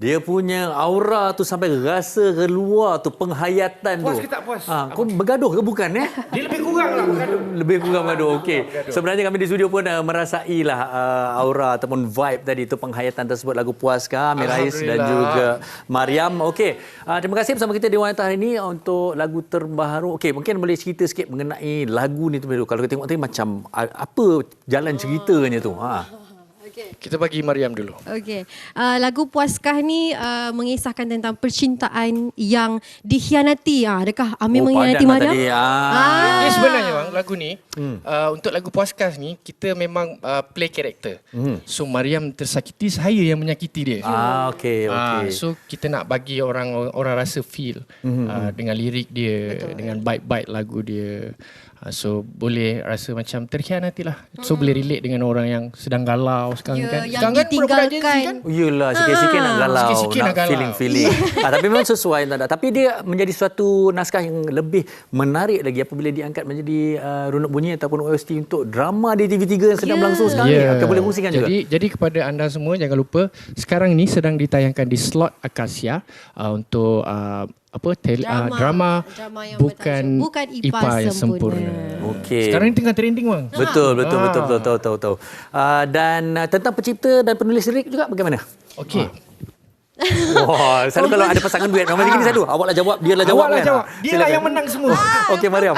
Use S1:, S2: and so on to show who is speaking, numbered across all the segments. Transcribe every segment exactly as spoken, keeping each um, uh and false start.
S1: Dia punya aura tu sampai rasa keluar tu, penghayatan
S2: Puas
S1: tu.
S2: ke tak puas?
S1: Ha, kau bergaduh ke bukan eh?
S2: Dia lebih kurang lah bergaduh.
S1: Lebih kurang bergaduh. Okey. Sebenarnya kami di studio pun uh, merasailah uh, aura ataupun vibe tadi tu, penghayatan tersebut lagu Puaskah, Amir Rais dan juga Mariam. Okey. Uh, terima kasih bersama kita di Wanita hari ini untuk lagu terbaru. Okey, mungkin boleh cerita sikit mengenai lagu ni tu. Kalau kita tengok tadi macam uh, apa jalan ceritanya tu. Ha.
S3: Okay.
S2: Kita bagi Mariam dulu.
S3: Okey. Uh, lagu Puaskah ni uh, mengisahkan tentang percintaan yang dikhianati. Ah, adakah Amir
S1: Oh,
S3: mengkhianati
S1: padan lah
S3: Mariam?
S1: tadi. Ah.
S3: Ah.
S2: Ini sebenarnya bang, lagu ni hmm. uh, untuk lagu Puaskah ni kita memang uh, play karakter. Hmm. So Mariam tersakiti, saya yang menyakiti dia.
S1: Ah, okey, okey.
S2: Uh, so kita nak bagi orang orang rasa feel hmm. uh, dengan lirik dia, betul, dengan bait-bait lagu dia. Uh, so boleh rasa macam terkhianati lah. So hmm. boleh relate dengan orang yang sedang galau sekarang
S3: Ya,
S2: kan.
S3: yang
S2: Sekarang kan budak-budak Gen Z
S3: ditinggalkan.
S2: kan.
S1: Yelah, sikit-sikit nak galau,
S2: Sikit-sikit
S1: nak
S2: nak galau.
S1: feeling-feeling. ah, tapi memang sesuai. Tak ada. Tapi dia menjadi suatu naskah yang lebih menarik lagi apabila diangkat menjadi uh, runut bunyi ataupun O S T untuk drama di T V tiga yang sedang
S3: Yeah.
S1: berlangsung sekarang
S2: Yeah.
S1: ni. Okay, boleh kongsikan juga.
S2: Jadi, jadi kepada anda semua jangan lupa sekarang ni sedang ditayangkan di slot Akasia uh, untuk uh, apa tel, drama, uh, drama,
S3: drama yang
S2: bukan
S3: bertajuk Bukan
S2: I P A,
S3: I P A
S2: yang
S3: Sempurna.
S2: sempurna.
S1: Okey.
S2: Sekarang ni tengah trending bang.
S1: Betul, betul,
S2: Ah.
S1: betul, betul, betul, betul, betul. Uh, dan uh, tentang pencipta dan penulis lirik juga bagaimana?
S2: Okey.
S1: Wah, selalu kalau ada pasangan duet, memang macam ni selalu. Awaklah jawab, biarlah jawab.
S2: Awaklah
S1: kan?
S2: jawab. Dia lah yang menang semua.
S1: Okey, Mariam.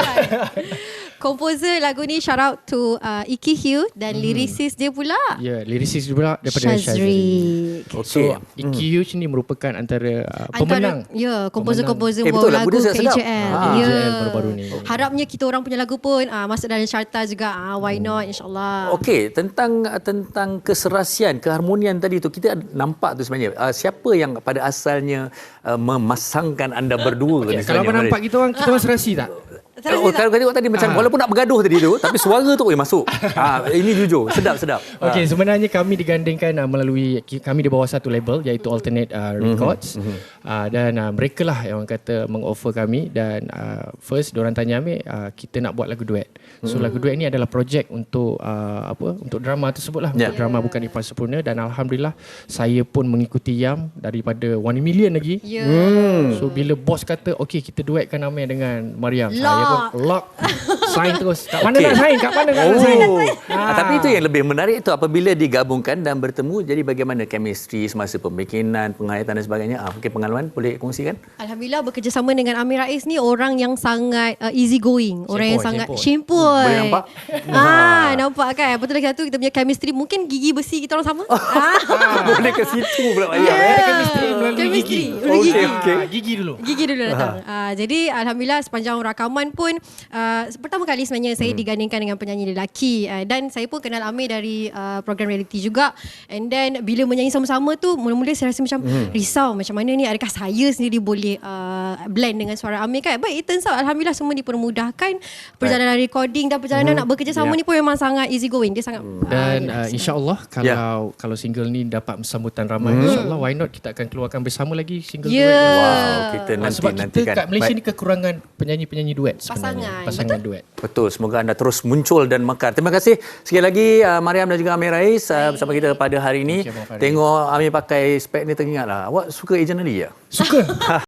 S3: Komposer lagu ni shout out to uh, Iki Hugh dan hmm. lyricist dia pula
S2: Ya, yeah, lyricist pula daripada Shazri.
S3: Shazri.
S1: Okey.
S2: So, Iki Hugh ni merupakan antara uh, pemenang.
S3: Antara, ya, komposer-komposer
S1: Eh, betul,
S3: bawa
S1: lagu
S3: lagu
S1: dia
S3: K
S1: sedap.
S3: J L.
S1: Ah.
S3: Ya.
S2: K J L baru-baru ni.
S3: Harapnya kita orang punya lagu pun uh, masuk dalam carta juga. Uh, why not, insyaAllah.
S1: Okey, tentang tentang keserasian, keharmonian tadi tu kita nampak tu sebenarnya. Uh, siapa yang pada asalnya uh, memasangkan anda berdua ni
S2: Okay, kalau
S1: sebenarnya?
S2: nampak kita orang, kita orang serasi tak?
S1: Oh, kalau kau tengok tadi macam
S2: Ah.
S1: walaupun nak bergaduh tadi tu tapi suara tu oi masuk. Ha, ini jujur, sedap sedap.
S2: Okey, sebenarnya kami digandingkan uh, melalui kami di bawah satu label iaitu Alternate uh, Records. Mm-hmm. Uh, dan uh, mereka lah yang orang kata mengoffer kami dan uh, first diorang tanya Amir uh, kita nak buat lagu duet. So mm-hmm. lagu duet ni adalah projek untuk uh, apa? Untuk drama tersebut lah,
S1: Yeah.
S2: untuk drama Bukan I P A Sempurna dan alhamdulillah saya pun mengikuti Yam daripada One Million lagi.
S3: Ya.
S1: Hmm.
S2: So bila bos kata okey kita duetkan Amir dengan Mariam,
S3: Lock.
S2: saya pun lock. Sign terus. Kat mana
S1: Okey.
S2: nak sign? Kat mana nak sign?
S1: Oh. Ah. Tapi itu yang lebih menarik tu apabila digabungkan dan bertemu jadi bagaimana chemistry semasa pembikinan, penghayatan dan sebagainya. Ah, mungkin pengalaman boleh kongsikan?
S3: Alhamdulillah bekerjasama dengan Amir Rais ni orang yang sangat uh, easy going, orang yang
S2: Simple,
S3: sangat
S2: simple.
S3: simple.
S1: Boleh nampak?
S3: Ah, nampak kan? Betul lagi satu kita punya chemistry mungkin gigi besi kita orang sama. ah.
S1: boleh ke situ pula Mariam.
S3: Yeah.
S1: eh?
S2: Chemistry melalui
S3: Chemistry
S2: gigi.
S3: melalui
S1: Okey,
S3: gigi.
S1: okey.
S2: Ah, gigi dulu.
S3: Gigi dulu datang. Uh, jadi alhamdulillah sepanjang rakaman pun uh, pertama kali sebenarnya saya hmm. digandingkan dengan penyanyi lelaki uh, dan saya pun kenal Amir dari uh, program reality juga. And then bila menyanyi sama-sama tu mula-mula saya rasa macam hmm. risau macam mana ni, adakah saya sendiri boleh uh, blend dengan suara Amir kan. But it turns out alhamdulillah semua dipermudahkan. Perjalanan right. recording dan perjalanan hmm. nak bekerjasama
S1: Yeah.
S3: ni pun memang sangat easy going. Dia sangat
S2: Dan
S3: uh,
S2: uh, insya-Allah kalau
S1: Yeah.
S2: kalau single ni dapat sambutan ramai, hmm. insya-Allah why not kita akan keluarkan bersama lagi single
S3: Yeah.
S2: duet.
S1: Wow, kita
S2: Ah,
S1: nanti
S2: sebab
S1: nantikan.
S2: kita kat Malaysia
S1: Baik.
S2: ni kekurangan penyanyi-penyanyi duet sebenarnya.
S3: Pasangan,
S2: Pasangan duet.
S1: Betul, semoga anda terus muncul dan mekar. Terima kasih sekali lagi uh, Mariam dan juga Amir Rais uh, bersama kita pada hari ini.
S2: Okay, Abang Farid.
S1: Tengok Amir pakai spek ni teringatlah. Awak suka Agent Ali ya?
S2: Suka.